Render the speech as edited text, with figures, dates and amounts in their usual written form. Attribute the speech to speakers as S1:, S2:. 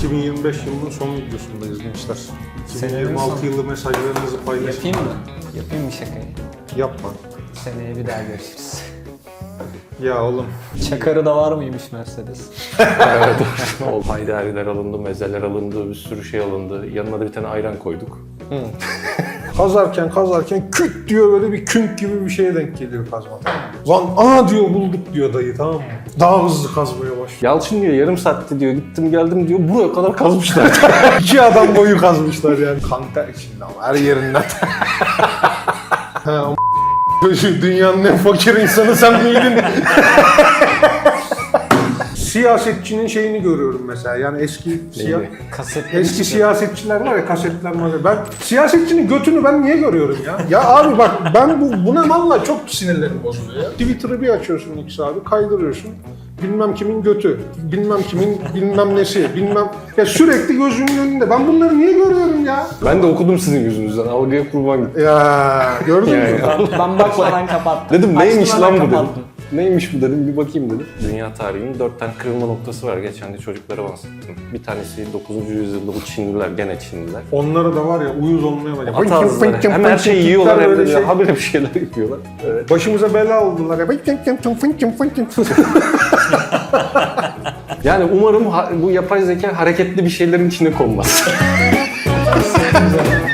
S1: 2025 yılının son videosundayız gençler. 2026 yılı mesajlarınızı paylaşın.
S2: Yapayım mı? Yapayım mı şakayı?
S1: Yapma.
S2: Seneye bir daha görüşürüz.
S1: Ya oğlum.
S2: Çakarı da var mıymış Mercedes?
S3: Evet. Haydariler alındı, mezeler alındı, bir sürü şey alındı. Yanına da bir tane ayran koyduk.
S1: Kazarken küt diyor, böyle bir künk gibi bir şeye denk geliyor kazma, tamam mı? Lan diyor, bulduk diyor dayı, tamam mı? Daha hızlı kazmaya başlıyor.
S3: Yalçın diyor yarım saatte diyor gittim geldim diyor buraya kadar kazmışlar.
S1: 2 adam boyu kazmışlar yani. Kanter içinde ama her yerinden. Ha, dünyanın en fakir insanı sen miydin? Siyasetçinin şeyini görüyorum mesela, yani eski eski siyasetçiler var ya, kasetler var. Ben siyasetçinin götünü ben niye görüyorum ya? Ya abi bak, ben buna vallahi çok sinirlerim bozuluyor ya. Twitter'ı bir açıyorsun X abi, kaydırıyorsun. Bilmem kimin götü, bilmem kimin bilmem nesi, bilmem... Ya sürekli gözümün önünde. Ben bunları niye görüyorum ya?
S3: Ben de okudum sizin yüzünüzden. Algıya kurban gittim.
S1: Ya gördün mü?
S2: Ben bakmadan kapattım.
S3: Dedim neymiş
S2: Açtım,
S3: lan bu
S2: hemen
S3: dedim.
S2: kapattım.
S3: Neymiş bu dedim, bir bakayım dedim. Dünya tarihinin 4 tane kırılma noktası var. Geçen de çocuklara bahsettim. Bir tanesi 9. yüzyılda bu Çinliler, gene Çinliler.
S1: Onlara da var ya, uyuz olmaya var.
S3: At ağızları. Hem her şeyi yiyorlar hem de habire bir şeyler yapıyorlar. Evet.
S1: Başımıza bela oldular ya.
S3: Yani umarım bu yapay zeka hareketli bir şeylerin içine konmaz.